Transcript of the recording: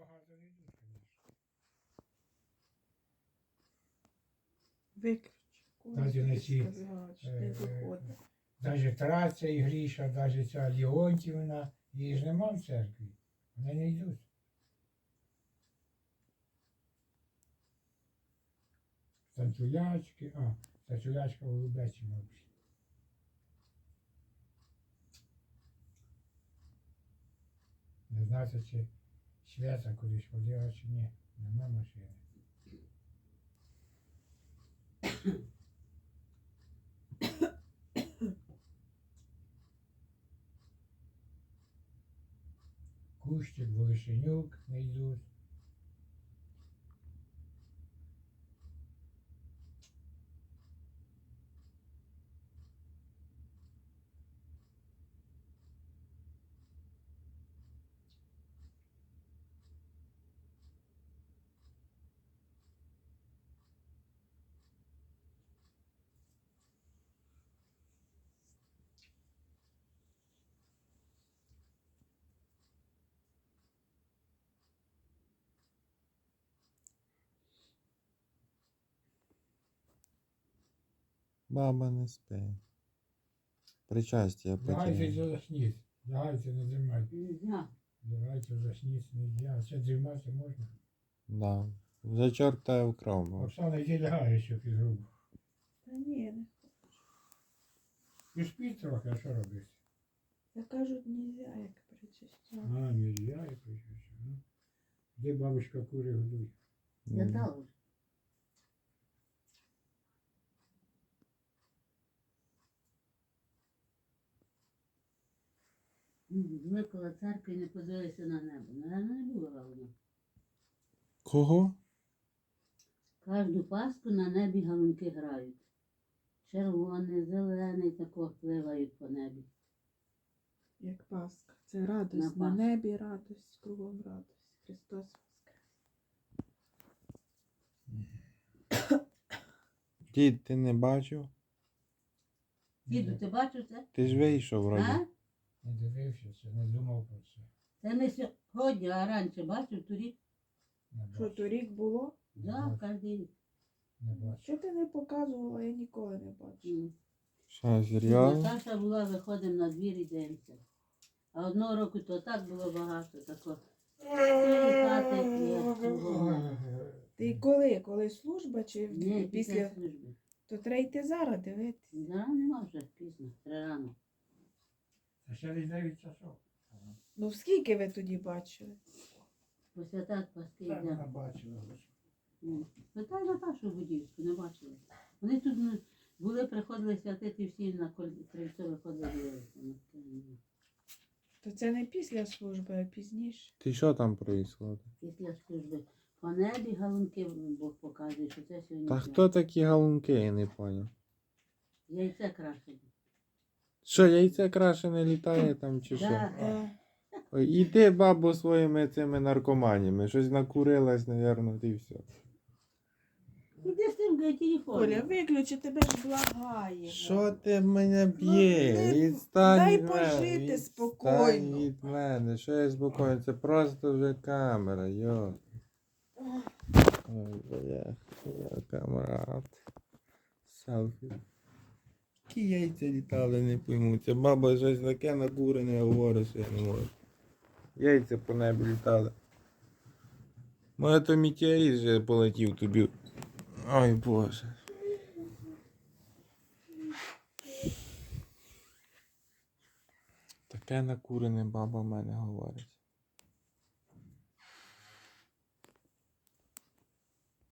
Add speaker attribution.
Speaker 1: багато не йдуть, звісно.
Speaker 2: Виключи.
Speaker 1: Навіть на ці,
Speaker 2: Не виходить.
Speaker 1: навіть Траця і Гріша, навіть ця Леонтівна, її ж нема в церкві. Вони не йдуть. Танцюлячки, танцюлячка в Голубечі, мабуть. Не знаю, чи Свята кудись ходила, чи ні. Нема машини. Кущик, Волошенюк не йдуть.
Speaker 3: Баба не спить. Причастя
Speaker 1: Лягайте
Speaker 3: потеряла.
Speaker 1: засніть. Лягайте, не дрімайте.
Speaker 4: Нельзя.
Speaker 1: Лягайте, засніть, не можна. Це дрімати можна.
Speaker 3: Да. Вже чорта вкрав. бо.
Speaker 1: Оксана, йди лягає, що фігуру.
Speaker 2: Та ні, не.
Speaker 1: І спіть трохи, а що робити?
Speaker 2: Та кажуть, нельзя, як причастя.
Speaker 1: Не я і причому. Ну, де бабушка кури годує?
Speaker 4: Я дала вже. Ми коло церкви не подивилися на небо. Наверно, не було галузно.
Speaker 3: Кого?
Speaker 4: Кожну Пасху на небі галунки грають. Червоний, зелений, тако пливають по небі.
Speaker 2: Як Пасха. Це радость.
Speaker 4: На
Speaker 2: На
Speaker 4: Пасху.
Speaker 2: небі радость, кругом радость. Христос воскрес.
Speaker 3: Дід, ти не бачив?
Speaker 4: Діду, ти бачив це?
Speaker 3: Ти ж вийшов вроді.
Speaker 4: А?
Speaker 1: Не дивився це, не думав про це.
Speaker 4: Це не сьогодні, а раніше бачив торік.
Speaker 1: Не
Speaker 2: Що
Speaker 1: бачу.
Speaker 2: торік було?
Speaker 4: Да, кожен рік.
Speaker 1: Не бачу.
Speaker 2: Що ти не показувала, я ніколи не бачила.
Speaker 3: Що, серйозно?
Speaker 4: Наташа була, виходимо на двір і дивимося. А одного року то так було багато, тако. Хати, як кругом.
Speaker 2: Ти коли? Коли служба чи
Speaker 4: Ні,
Speaker 2: після?
Speaker 4: після служби.
Speaker 2: То треба йти зараз дивитися.
Speaker 4: Да, нема вже пізно, рано.
Speaker 1: А ще десь 9 часов.
Speaker 2: Ну скільки ви тоді бачили?
Speaker 4: Після так паски
Speaker 1: Так вона
Speaker 4: йде.
Speaker 1: бачила.
Speaker 4: Питай Наташу Будівську, не бачили. Вони тут були, приходили святити всі на крильцо виходили дивилися.
Speaker 2: То це не після служби, а пізніше.
Speaker 3: Ти що там проїсходить?
Speaker 4: Після служби по небі галунки Бог показує, що це сьогодні.
Speaker 3: Та
Speaker 4: свято.
Speaker 3: хто такі галунки, я не поняв.
Speaker 4: Яйце крашені.
Speaker 3: Що, яйце краще не літає там чи що?
Speaker 4: Да.
Speaker 3: Ой, іди, бабу, своїми цими наркоманіями. Щось накурилась, напевно, і все.
Speaker 4: Іди з тим телефоном.
Speaker 2: Оля, виключи, тебе ж благає.
Speaker 3: Що ти мене б'є?
Speaker 2: Ну,
Speaker 3: Відстань
Speaker 2: дай
Speaker 3: від мене,
Speaker 2: пожити
Speaker 3: відстань
Speaker 2: спокійно.
Speaker 3: від мене. Що я спокійно? Це просто вже камера, йо. Ой, бля, я камрад. Селфі. Які яйця літали, не пойму. Ця баба щось таке накурене говорить, що я не можу. Яйця по небі літали. Може то метеорит вже полетів тобі. Ой, Боже. Таке накурене баба в мене говорить.